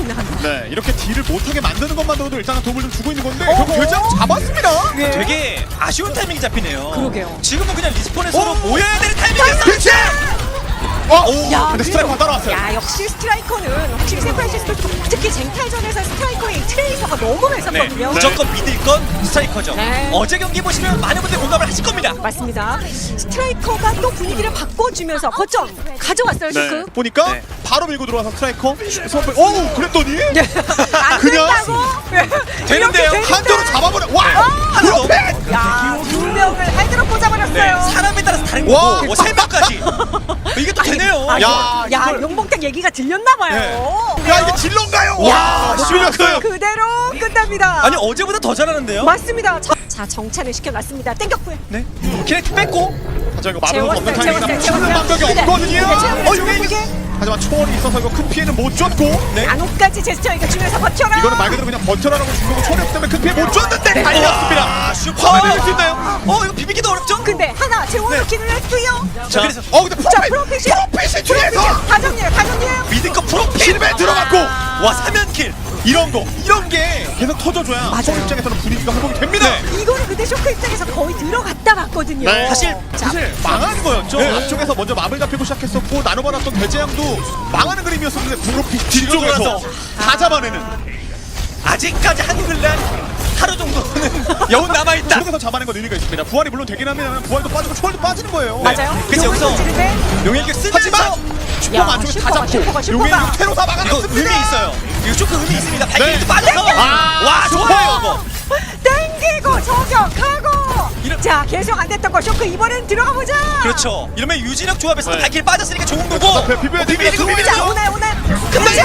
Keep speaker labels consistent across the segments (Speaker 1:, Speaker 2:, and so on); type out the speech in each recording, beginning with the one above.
Speaker 1: 있는 한타.
Speaker 2: 네, 이렇게 딜을 못하게 만드는 것만으로도 일단은 도움을 좀 주고 있는 건데 결국 결정 잡았습니다.
Speaker 1: 네.
Speaker 3: 되게 아쉬운 타이밍이 잡히네요.
Speaker 1: 그러게요.
Speaker 3: 지금은 그냥 리스폰에 서로 모여야 되는 타이밍이었어.
Speaker 2: 그렇지!
Speaker 1: 야,
Speaker 2: 근데 스트라이커가 따라왔어요.
Speaker 1: 야, 역시 스트라이커는 확실히 샌프란시스코 특히 쟁탈전에서 스트라이커의 트레이서가 너무 매섭거든요.
Speaker 3: 무조건 믿을 건 스트라이커죠.
Speaker 1: 네.
Speaker 3: 어제 경기 보시면 많은 분들 공감을 하실 겁니다.
Speaker 1: 맞습니다. 스트라이커가 또 분위기를 바꿔주면서 거점 가져왔어요,
Speaker 2: 네,
Speaker 1: 쇼크.
Speaker 2: 보니까
Speaker 1: 네.
Speaker 2: 바로 밀고 들어와서 스트라이커 선배. 오, 그랬더니
Speaker 1: 안
Speaker 2: 그냥
Speaker 1: 된다고?
Speaker 3: 되는데요.
Speaker 1: 이렇게
Speaker 2: 한조로 잡아버려. 와,
Speaker 3: 하나도.
Speaker 2: 프로페.
Speaker 1: 야, 두 명을 헤드로 꽂아버렸어요.
Speaker 3: 네. 사람에 따라서 다른
Speaker 2: 와.
Speaker 3: 거고 세 명까지. 이게 또 되네요.
Speaker 1: 아,
Speaker 2: 야,
Speaker 1: 야,
Speaker 2: 이걸-
Speaker 1: 용봉탕 얘기가 들렸나봐요.
Speaker 2: 야, 이게 질런가요?
Speaker 3: 와,
Speaker 2: 와, 실렸어요.
Speaker 1: 그대로 끝납니다.
Speaker 3: 아니 어제보다 더 잘하는데요?
Speaker 1: 맞습니다. 자, 정찬을 시켜놨습니다. 땡겼고요.
Speaker 3: 네. 키네틱 뺐고.
Speaker 2: 하지만 이거 막을 수 없는
Speaker 1: 재웠어요,
Speaker 2: 타이밍이라
Speaker 1: 재웠어요.
Speaker 2: 막는 방법이
Speaker 1: 네.
Speaker 2: 없거든요.
Speaker 1: 네, 재웠어요,
Speaker 2: 이게
Speaker 1: 재웠어요.
Speaker 2: 하지만 초월이 있어서 이거 큰 피해는 못 줬고.
Speaker 3: 네.
Speaker 1: 안옥까지 제스처 이거 주면서 버텨라.
Speaker 2: 이거는 말 그대로 그냥 버텨라라고 준 거고 초월이 없기 때문에 큰 피해 못 줬는데 달렸습니다.
Speaker 3: 아, 슈퍼.
Speaker 2: 화면 될수 있나요?
Speaker 3: 이거 비비기도 어렵죠?
Speaker 1: 근데 하나 재워놓기는 했고요.
Speaker 3: 자, 그래서
Speaker 2: 근데
Speaker 1: 자, 프로핏이
Speaker 2: 뒤에서
Speaker 1: 다정이에요, 다정이에요.
Speaker 3: 믿을 거 프로필.
Speaker 2: 실베 들어갔고.
Speaker 3: 와 3연킬.
Speaker 2: 이런 게 계속 터져줘야
Speaker 1: 맞아요.
Speaker 2: 서울 입장에서는 분위기가 회복이 됩니다.
Speaker 1: 이거는 근데 쇼크 입장에서 거의 들어갔다 봤거든요.
Speaker 2: 네.
Speaker 3: 사실
Speaker 2: 사실 망한 거였죠.
Speaker 3: 네.
Speaker 2: 앞쪽에서 먼저 마블 잡히고 시작했었고 나눠받았던 배제양도 망하는 그림이었었는데 프로피 뒤쪽에서
Speaker 3: 뒤쪽에서
Speaker 2: 다 잡아내는.
Speaker 3: 아직까지 한글날 하루 정도는 여운 남아있다.
Speaker 2: 쪽에서 잡아낸 건 의미가 있습니다. 부활이 물론 되긴 합니다만 부활도 빠지고 초월도 빠지는 거예요.
Speaker 1: 맞아요.
Speaker 3: 그래서
Speaker 1: 용을
Speaker 3: 여기서
Speaker 1: 던지는데
Speaker 3: 용일격 쓰면서
Speaker 2: 하지만 슈퍼가 안쪽에 다
Speaker 1: 슈퍼가,
Speaker 2: 잡고
Speaker 1: 슈퍼가.
Speaker 2: 용의 테로사
Speaker 3: 이거
Speaker 2: 막아냈습니다.
Speaker 3: 의미 있어요. 이거 쇼크 의미 있습니다. 발길이도
Speaker 2: 네.
Speaker 3: 빠져서 와
Speaker 2: 슈퍼!
Speaker 3: 좋아요 이거.
Speaker 1: 땡기고 저격하고.
Speaker 3: 이런-
Speaker 1: 자, 계속 안 됐던 거 쇼크 이번엔 들어가 보자.
Speaker 3: 그렇죠. 이러면 유진혁 조합에서
Speaker 2: 네.
Speaker 3: 발길 빠졌으니까 좋은 거고.
Speaker 2: 비벼야 돼,
Speaker 3: 비비고
Speaker 2: 비벼야 돼.
Speaker 1: 자,
Speaker 3: 비비고.
Speaker 1: 오늘
Speaker 2: 근데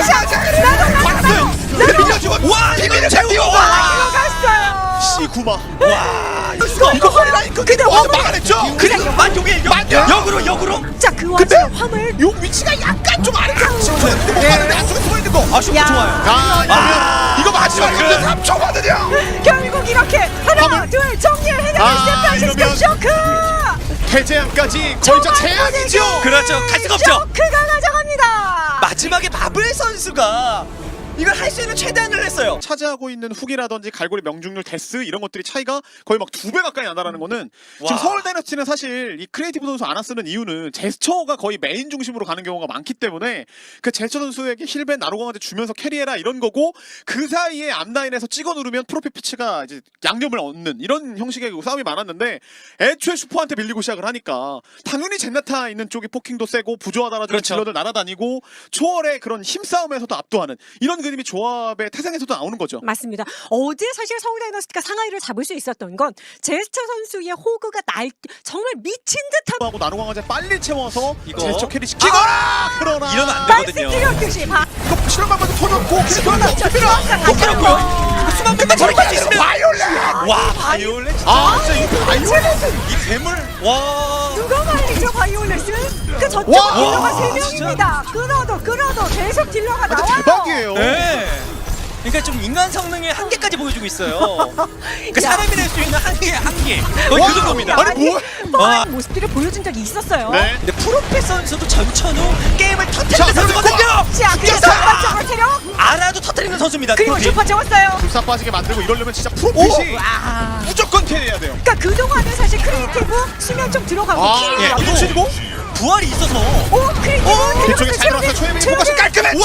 Speaker 2: 나도 밀려주고
Speaker 3: 와 비비를 채우고.
Speaker 1: 들어갔어요.
Speaker 2: C9마.
Speaker 3: 와 이거
Speaker 2: 허리라니까
Speaker 1: 근데 화물-
Speaker 2: 막아냈죠.
Speaker 3: 그냥 만용의 역으로.
Speaker 1: 자, 그
Speaker 2: 근데
Speaker 1: 와중에 화물.
Speaker 2: 용 위치가 약간 좀 아래쪽 치우쳤는데 못 가는데 안쪽에 숨어 있는 거.
Speaker 3: 아 쇼크
Speaker 1: 야.
Speaker 3: 좋아요.
Speaker 2: 아, 이거 마지막
Speaker 3: 쇼크.
Speaker 2: 3초거든요.
Speaker 1: 결국 이렇게 하나,
Speaker 2: 화물.
Speaker 1: 둘 정리를 해내는 샌프란시스코
Speaker 2: 이러면
Speaker 1: 쇼크.
Speaker 2: 해제양까지 거의 저 제약이죠.
Speaker 3: 그렇죠. 갈 수가 없죠.
Speaker 1: 쇼크가 가져갑니다.
Speaker 3: 마지막에 마블 선수가 이걸 할 수 있는 최대한을 했어요.
Speaker 2: 차지하고 있는 훅이라든지 갈고리 명중률 데스 이런 것들이 차이가 거의 막 2배 가까이 난다라는 거는
Speaker 3: 와.
Speaker 2: 지금 서울 다이너스티는 사실 이 크리에이티브 선수 안 쓰는 이유는 제스처가 거의 메인 중심으로 가는 경우가 많기 때문에 그 제스처 선수에게 힐벤 나로강한테 주면서 캐리해라 이런 거고 그 사이에 앞라인에서 찍어 누르면 프로필 피치가 이제 양념을 얻는 이런 형식의 싸움이 많았는데 애초에 슈퍼한테 밀리고 시작을 하니까 당연히 젠나타 있는 쪽이 포킹도 세고 부조하다라는
Speaker 3: 그렇죠.
Speaker 2: 질러들 날아다니고 초월의 그런 힘싸움에서도 압도하는 이런 그림이 조합의 태생에서도 나오는 거죠.
Speaker 1: 맞습니다. 어제 사실 서울 다이너스티가 상하이를 잡을 수 있었던 건 제스처 선수의 호그가 정말 미친 듯한
Speaker 2: 하고 나노강화제 빨리 채워서
Speaker 3: 이거.
Speaker 2: 제스처 캐리 시키거나 그러나
Speaker 3: 이러면 안
Speaker 1: 말씀
Speaker 3: 되거든요.
Speaker 1: 드렸듯이
Speaker 2: 이거 실험방법도 터졌고
Speaker 3: 못 들었고요. 수만 명만 저렇게 할수 있으면
Speaker 2: 바이올렛!
Speaker 3: 와 바이올렛
Speaker 2: 아 진짜 이거 바이올렛!
Speaker 3: 이 괴물 와
Speaker 1: 누가 말이죠 바이올렛은? 그 저쪽
Speaker 2: 와,
Speaker 1: 딜러가
Speaker 3: 와,
Speaker 1: 3명입니다. 끌어도 계속 딜러가 나와요.
Speaker 2: 대박이에요.
Speaker 3: 네. 그러니까 좀 인간 성능의 한계까지 보여주고 있어요. 그러니까
Speaker 1: 야.
Speaker 3: 사람이 낼 수 있는 한계 거의
Speaker 2: 와.
Speaker 3: 그 정도입니다.
Speaker 2: 아니, 뭐-
Speaker 1: 뻔한 모습들을 보여준 적이 있었어요.
Speaker 2: 네.
Speaker 3: 근데 프로페 선수도 전천후 게임을
Speaker 2: 자,
Speaker 3: 터뜨리는 선수거든요.
Speaker 1: 자, 그리고 선발적으로 체력
Speaker 3: 알아도 터뜨리는 선수입니다.
Speaker 1: 그리고
Speaker 3: 프로필.
Speaker 1: 슈퍼 채웠어요.
Speaker 2: 불사 빠지게 만들고 이러려면 진짜 프로핏이
Speaker 1: 와.
Speaker 2: 무조건 캐리해야 돼요.
Speaker 1: 그러니까 그동안은 사실 크리에이티브 수면 좀 들어가고
Speaker 2: 아,
Speaker 1: 킬이
Speaker 3: 예,
Speaker 1: 나고.
Speaker 2: 이거 치고
Speaker 3: 부활이 있어서
Speaker 1: 오, 크리에이티브
Speaker 2: 뒤쪽에 잘 들어왔어요. 초예민이 포커스 깔끔했죠.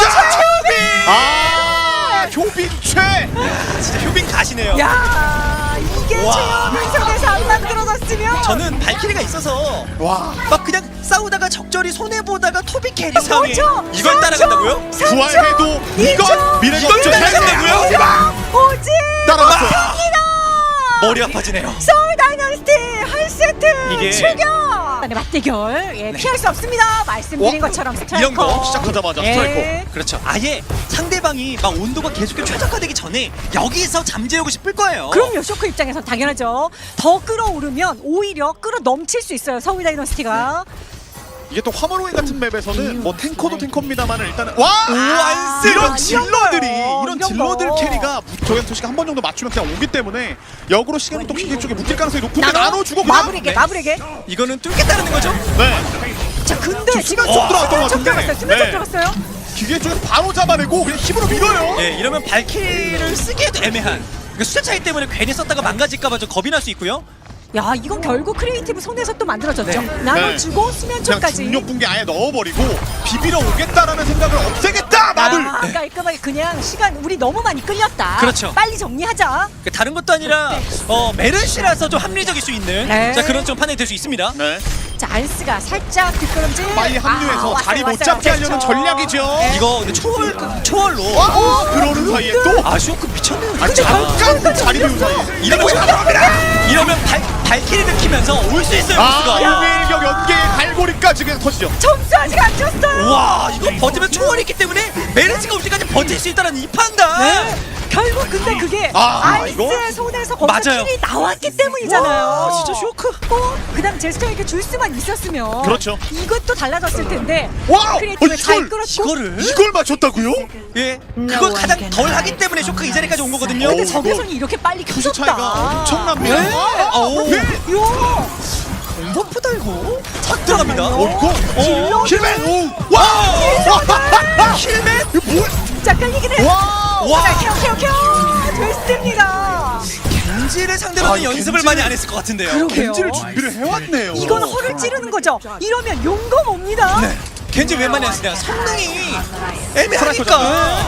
Speaker 2: 아, 효빈 최.
Speaker 3: 진짜 효빈 가시네요.
Speaker 1: 야, 이게
Speaker 3: 와.
Speaker 1: 최영민 속에서 안 만들어졌으면
Speaker 3: 저는 발키리가 있어서
Speaker 2: 와,
Speaker 3: 막 그냥 싸우다가 적절히 손해 보다가 토비 캐리 상황에
Speaker 1: 그렇죠.
Speaker 3: 이걸 따라간다고요?
Speaker 2: 부활해도 이건 미래가
Speaker 3: 이걸 따라간다고요?
Speaker 1: 오지
Speaker 2: 따라갔어요.
Speaker 3: 머리 아파지네요.
Speaker 1: 서울 다이너스티 한 세트
Speaker 3: 이게-
Speaker 1: 출격. 맞대결 피할 수 없습니다. 말씀드린
Speaker 2: 어?
Speaker 1: 것처럼 스트라이커
Speaker 3: 이런 거
Speaker 2: 시작하자마자
Speaker 1: 예.
Speaker 2: 스트라이커.
Speaker 3: 그렇죠. 아예 상대방이 막 온도가 계속 최적화되기 전에 여기서 잠재우고 싶을 거예요.
Speaker 1: 그럼요. 쇼크 입장에선 당연하죠. 더 끌어오르면 오히려 끌어 넘칠 수 있어요. 서울 다이너스티가.
Speaker 2: 이게 또 화물호인 같은 맵에서는 뭐 탱커도 탱커입니다만은 일단은 와
Speaker 3: 안 쓰는
Speaker 2: 이런 질러들이
Speaker 1: 거요.
Speaker 2: 이런
Speaker 1: 이런
Speaker 2: 질러들
Speaker 1: 거.
Speaker 2: 캐리가 조현 토시가 한 번 정도 맞추면 그냥 오기 때문에 역으로 시간은 또 킹기 쪽에 묶일 가능성이 높은데 나눠주고 그냥
Speaker 1: 마블에게 마블에게.
Speaker 3: 이거는 뚫겠다는 거죠?
Speaker 2: 네
Speaker 1: 자 근데 지금
Speaker 2: 쪽 들어갔던 것
Speaker 1: 쪽
Speaker 2: 같은데.
Speaker 1: 들어갔어요. 수면 쪽
Speaker 2: 네.
Speaker 1: 들어갔어요.
Speaker 2: 기계 쪽에서 바로 잡아내고 그냥 힘으로 밀어요.
Speaker 3: 예, 이러면 발키리를 쓰기에도 애매한. 그 숫자 차이 때문에 괜히 썼다가 망가질까봐 좀 겁이 날 수 있고요.
Speaker 1: 야, 이건 결국 크리에이티브 손에서 또 만들어졌죠.
Speaker 3: 네.
Speaker 1: 나눠주고
Speaker 2: 그냥
Speaker 1: 수면초까지.
Speaker 2: 중력 붕괴 아예 넣어버리고 비비러 오겠다라는 생각을 없애겠다 마블.
Speaker 1: 아, 깔끔하게 그냥 시간 우리 너무 많이 끌렸다.
Speaker 3: 그렇죠.
Speaker 1: 빨리 정리하자.
Speaker 3: 그 다른 것도 아니라 메르시라서 좀 합리적일 수 있는
Speaker 1: 네.
Speaker 3: 자 그런 좀 판단이 될 수 있습니다.
Speaker 2: 네.
Speaker 1: 자, 안스가 살짝 뒷걸음질.
Speaker 2: 빨리 합류해서
Speaker 1: 왔어요,
Speaker 2: 자리 못
Speaker 1: 왔어요.
Speaker 2: 잡게 하려는
Speaker 1: 그렇죠.
Speaker 2: 전략이죠.
Speaker 1: 네.
Speaker 3: 이거 근데 초월로
Speaker 2: 그러는 사이에 또
Speaker 3: 아쉬워크 미쳤네요.
Speaker 2: 아, 잠깐 자리 비운 사이에
Speaker 3: 이러면 발키리를 키면서 올 수 있어요. 보스가.
Speaker 2: 용일격 연계의 갈고리까지 그냥 터지죠.
Speaker 1: 점수 아직 안 줬어요.
Speaker 3: 와 이거 버티면 초월이 있기 때문에 메르시가 올 때까지 버틸 수 있다는 이 판단.
Speaker 1: 네. 결국 근데 그게
Speaker 2: 아, 이거?
Speaker 1: 아이스의 손에서 거기서
Speaker 3: 맞아요.
Speaker 1: 킬이 나왔기 때문이잖아요.
Speaker 3: 와, 진짜 쇼크.
Speaker 1: 그다음 제스처에게 줄 수만 있었으면
Speaker 2: 그렇죠.
Speaker 1: 이것도 달라졌을 텐데.
Speaker 2: 와,
Speaker 1: 크리에이티브 잘
Speaker 2: 이걸
Speaker 1: 끌었고.
Speaker 2: 이걸 맞췄다고요?
Speaker 3: 예, 그걸 가장 덜 하기 때문에 쇼크가 이 자리까지 온 거거든요.
Speaker 1: 근데
Speaker 2: 어,
Speaker 1: 적외선이 이렇게 빨리
Speaker 2: 투수
Speaker 1: 켜졌다.
Speaker 2: 차이가 엄청납니다.
Speaker 1: 네.
Speaker 3: 오.
Speaker 2: 네.
Speaker 1: 요.
Speaker 3: 버프다 이거. 착 들어갑니다.
Speaker 2: 오, 힐맨. 와,
Speaker 3: 힐맨.
Speaker 2: 이거 뭘?
Speaker 1: 자, 끌리긴 해.
Speaker 2: 와,
Speaker 3: 와.
Speaker 1: 자, 켜. 됐습니다.
Speaker 3: 겐지를 상대로는
Speaker 2: 아,
Speaker 3: 연습을
Speaker 2: 겐지를-
Speaker 3: 많이 안 했을 것 같은데요.
Speaker 1: 그러게요.
Speaker 2: 겐지를 준비를 해왔네요.
Speaker 1: 이건 허를 찌르는 거죠. 이러면 용검 옵니다.
Speaker 3: 네. 겐지 왜 많이 안 쓰냐? 성능이 애매하니까.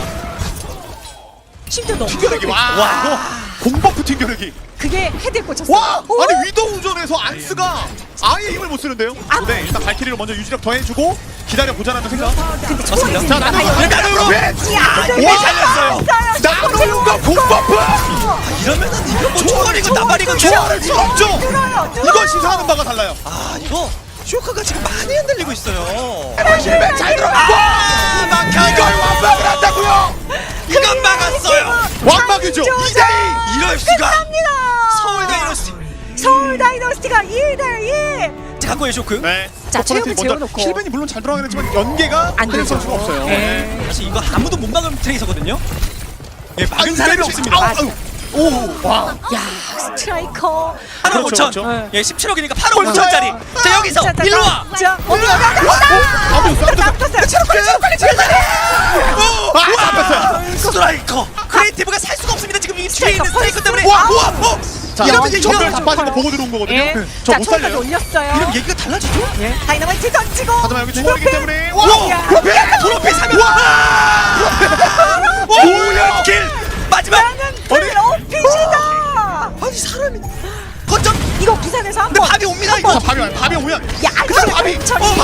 Speaker 1: 심지어 너무
Speaker 2: 튕겨내기. 와,
Speaker 3: 와.
Speaker 2: 공버프 튕겨내기.
Speaker 1: 그게 헤드에 꽂혔어요.
Speaker 2: 와,
Speaker 1: 오!
Speaker 2: 아니 위도 우전에서 안스가 아예 힘을 못 쓰는데요. 네, 일단 발키리를 먼저 유지력 더해주고 기다려 보자라는 생각.
Speaker 1: 근데
Speaker 3: 맞습니다.
Speaker 1: 초월이
Speaker 2: 자, 나누고.
Speaker 1: 야,
Speaker 2: 와,
Speaker 1: 살렸어요.
Speaker 2: 나누고 공버프.
Speaker 3: 이러면은 이거 뭐 초월이고 나발이고
Speaker 2: 조화를 수 없죠.
Speaker 1: 뚫어요.
Speaker 2: 이건 시사하는 바가 달라요.
Speaker 3: 아 이거 쇼크가 지금 많이 흔들리고 있어요.
Speaker 2: 힐맨 잘 들어갔고. 이걸 완박을 한다고요?
Speaker 3: 이건 막았어요.
Speaker 2: 완박이죠. 2대2.
Speaker 3: 이럴 수가.
Speaker 1: 합니다.
Speaker 3: 서울 다이너스티.
Speaker 1: 서울 다이너스티가 2대2.
Speaker 3: 자 갖고 의 쇼크.
Speaker 2: 네.
Speaker 1: 자,
Speaker 2: 첫 번째
Speaker 1: 체육을
Speaker 2: 먼저
Speaker 1: 재워놓고.
Speaker 2: 힐맨이 물론 잘 들어가긴 했지만 연계가
Speaker 1: 안
Speaker 2: 트레이서
Speaker 1: 되죠.
Speaker 2: 선수가 없어요.
Speaker 1: 네.
Speaker 3: 사실 이거 아무도 못 막은 트레이서거든요. 예, 막은 사람이
Speaker 2: 때리고
Speaker 3: 없습니다.
Speaker 2: 아우, 아우. 오, 와.
Speaker 1: 야, 스트라이커.
Speaker 3: 8억
Speaker 2: 그렇죠,
Speaker 3: 5천.
Speaker 2: 그렇죠.
Speaker 3: 예, 17억이니까 8억 5천짜리. 자 여기서 일로 와.
Speaker 1: 자,
Speaker 2: 아무
Speaker 1: 나왔어요.
Speaker 2: 잡혔어요.
Speaker 3: 스트라이커. 크리에이티브가 살 수가 없습니다. 지금 이 뒤에 있는 스트라이커 때문에.
Speaker 2: 와, 우와, 자,
Speaker 3: 이러면
Speaker 2: 이러면
Speaker 3: 이거
Speaker 2: 전멸 다 빠진 거 보고 들어온 거거든요.
Speaker 1: 예.
Speaker 2: 저
Speaker 1: 자,
Speaker 2: 못
Speaker 1: 초월까지
Speaker 2: 살려요.
Speaker 1: 올렸어요.
Speaker 3: 이러면 얘기가 달라지죠?
Speaker 1: 예. 다이너마이트 던지고.
Speaker 2: 하지만 여기 초월이기 때문에
Speaker 1: 와, 야.
Speaker 3: 프로필 3명. 오연길 마지막.
Speaker 1: 나는 블로핏이다.
Speaker 3: 아니 사람이 거점.
Speaker 1: 이거 부산에서 한
Speaker 3: 근데
Speaker 1: 번.
Speaker 3: 밥이 옵니다
Speaker 2: 자,
Speaker 3: 이거.
Speaker 2: 밤이 오면
Speaker 1: 야,
Speaker 2: 그다음 밤이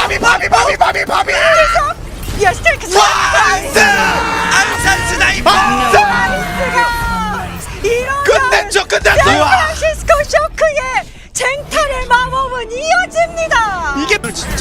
Speaker 2: 밤이
Speaker 1: 야, 스트라이크.
Speaker 2: 안스
Speaker 3: 안산 스나이퍼.
Speaker 1: 나이스가. 이러면
Speaker 2: 끝냈죠.
Speaker 1: 샌프란시스코 쇼크의 쟁탈의 마법은 이어집니다.
Speaker 3: 이게 진짜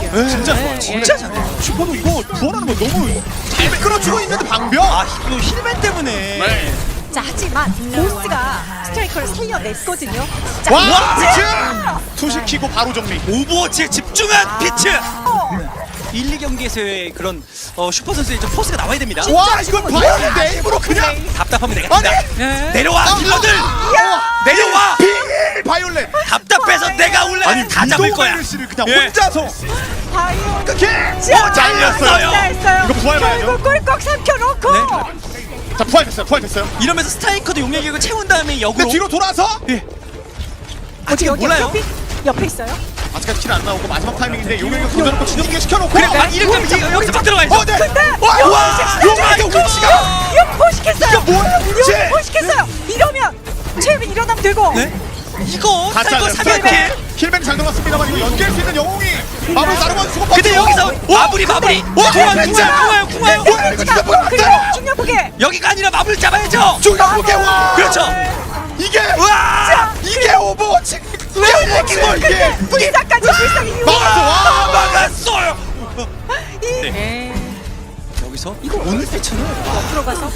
Speaker 3: 진짜 잘해.
Speaker 2: 슈퍼도 이거 구원하는 거 너무 잘 끌어주고 있는데 방벽.
Speaker 3: 아 이거 힐맨 때문에.
Speaker 2: 네.
Speaker 1: 자, 하지만 보스가 스트라이커를 살려냈거든요. 자,
Speaker 2: 와,
Speaker 1: 이제
Speaker 2: 피츠 투시키고 바로 정리.
Speaker 3: 오버워치에 집중한 피츠.
Speaker 1: 어,
Speaker 3: 1, 2경기에서의 그런 슈퍼 선수의 좀 포스가 나와야 됩니다.
Speaker 2: 와, 이걸 바이올린 네임으로 그냥
Speaker 3: 답답하면 되겠습니다.
Speaker 1: 네.
Speaker 3: 내려와 킬러들.
Speaker 1: 야.
Speaker 3: 내려와.
Speaker 2: 비밀 바이올렛.
Speaker 3: 답답해서 내가 올라가서 다 잡을 거야.
Speaker 2: 씨를 그냥
Speaker 3: 예.
Speaker 2: 혼자서
Speaker 1: 바이오.
Speaker 2: 그렇게
Speaker 3: 잘렸어요.
Speaker 2: 이거 부활해봐야죠.
Speaker 1: 결국 꿀꺽 삼켜놓고.
Speaker 3: 네.
Speaker 2: 자, 부활됐어요.
Speaker 3: 이러면서 스트라이커도 용량격을 채운 다음에
Speaker 2: 근데
Speaker 3: 역으로.
Speaker 2: 뒤로 돌아서
Speaker 3: 아직
Speaker 1: 여기
Speaker 3: 몰라요.
Speaker 1: 옆에 있어요.
Speaker 2: 아직까지 킬 안 나오고 마지막 타이밍인데 용맹을 던져놓고 진영기에 시켜놓고.
Speaker 3: 그래, 이렇게 여기서 막 들어가야죠.
Speaker 2: 네.
Speaker 1: 근데
Speaker 2: 와, 용맹의 위치가.
Speaker 1: 이거 포식했어요.
Speaker 2: 이거 뭐야, 위치?
Speaker 1: 이거 포식했어요. 이러면 최빈 일어나면 되고.
Speaker 3: 네? 이거 스트라이커
Speaker 2: 가짜예요.
Speaker 3: 300킬.
Speaker 2: 힐맨 잘 들어갔습니다만 이거 연계할 수 있는 영웅이 마무리 나르고 수고.
Speaker 3: 근데 여기서 마무리. 궁화요.
Speaker 1: 그리고 중력보게.
Speaker 3: 여기가 아니라 마무리 잡아야죠.
Speaker 2: 중력보게 와.
Speaker 3: 그렇죠.
Speaker 2: 이게
Speaker 3: 와.
Speaker 2: 이게 오버워치. 이게
Speaker 1: 불사까지 불사기 이후.
Speaker 3: 막았어요.
Speaker 1: 네.
Speaker 3: 여기서
Speaker 1: 이거
Speaker 3: 오늘 패치는
Speaker 1: 들어가서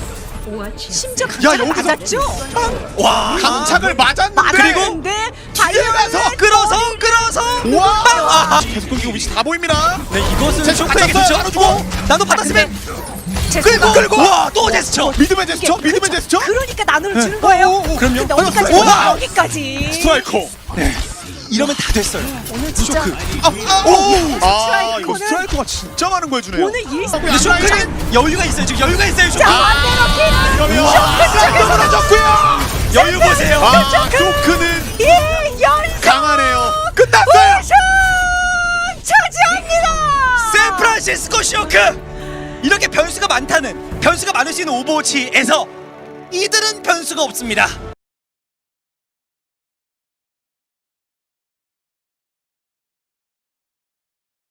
Speaker 1: 심지어
Speaker 2: 야,
Speaker 1: 강착을
Speaker 2: 여기서
Speaker 1: 맞았죠?
Speaker 3: 와
Speaker 2: 강착을 맞았는데
Speaker 1: 맞았는데
Speaker 2: 뒤에 가서
Speaker 3: 끌어서
Speaker 2: 와 계속 끊기고 위치 다 보입니다.
Speaker 3: 네 이것은
Speaker 2: 제스처
Speaker 3: 쇼크에게
Speaker 2: 받았어요.
Speaker 3: 주죠.
Speaker 2: 나눠주고.
Speaker 3: 나도 받았으면
Speaker 1: 제스처가
Speaker 3: 끌고 와또 제스처.
Speaker 2: 믿음의 제스처. 믿음의 제스처.
Speaker 1: 그러니까 나눠 주는 거예요.
Speaker 2: 그럼요.
Speaker 1: 근데 어디까지?
Speaker 2: 와.
Speaker 1: 여기까지.
Speaker 2: 스트라이커.
Speaker 3: 이러면 다 됐어요.
Speaker 1: 오늘 진짜
Speaker 3: 쇼크.
Speaker 2: 아, 이거
Speaker 1: 스트라이커는
Speaker 2: 스트라이커가 변수가 진짜 많은 거 해주네요.
Speaker 1: 오늘 일
Speaker 3: 근데 쇼크는 여유가 있어요. 지금 여유가 있어요. 쇼크.
Speaker 2: 또 무너졌고요.
Speaker 3: 여유 보세요.
Speaker 2: 아, 쇼크는
Speaker 1: 이 연속
Speaker 2: 강하네요. 끝났어요.
Speaker 1: 우승 차지합니다.
Speaker 3: 샌프란시스코 쇼크. 이렇게 변수가 많을 수 있는 오버워치에서 이들은 변수가 없습니다.